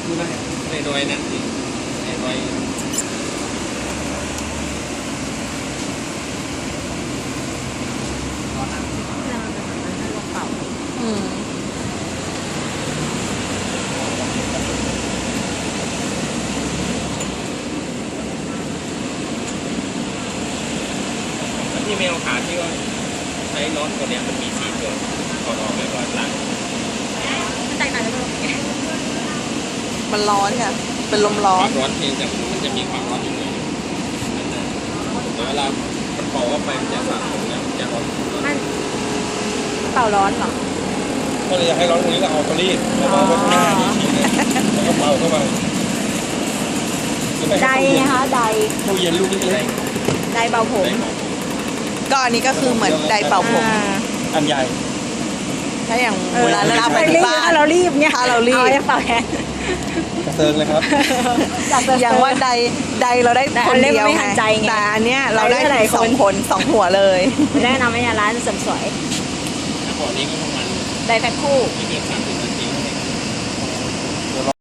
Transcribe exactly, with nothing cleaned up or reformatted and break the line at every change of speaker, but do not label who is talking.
ดูได้ในรอยนั่นสิในรอย
อืม
ที่แมวขาที่ว่าใช้น็อตตัวเนี้ยมันมีสี่ตัวถอดออกแล้วก็ล้าง
มันแตกต่างกันตรงไหน
มันร้อนค่ะ เป็นลมร้อ
ควาน มร้อนเพียงแต่มันจะมีความร้อนอยู่เลยนั่นนะแต่เวลามันเป่าออกไปมันจะสะสมแล้วมันจะร้อน
มันเป่าร้อนเหรอ
ก็เลยอยากให้ร้อนตรงนี้ก็เอาตัวรีดแล้วก็วัดหน้านี่ทีนึงแล้วก็เป่าเข้าไป
ไดนะคะได
ตู้เย็นลูกเล็ก
ไดเบาผม
ก็อันนี้ก็คือเหมือนไดร์เป่าผม
อ่า
อันใหญ่
ถ้าอย่าง
เออ
เวลาเราไป
ถ้า
ที่บ้าน
ถ้าเรารีบเนี่ย
ถ้าเรารีบ
อให้เป่าแทน
กระเซิงเลยครับ
อย่างว่าใดใดเราได้
แต่
คน
อันเล็ก
เดียว
ไม่ทันใจไง
แต่อันเนี้ยเราได้
ได้หลาย
สอง
คน
คนสองหัวเลย
แนะนำให้ร้านเสริมสวย
แล้วก่อนนี้ก็ประมาณ
ไดแพ็คคู่
ไม่เกินสามสิบนาที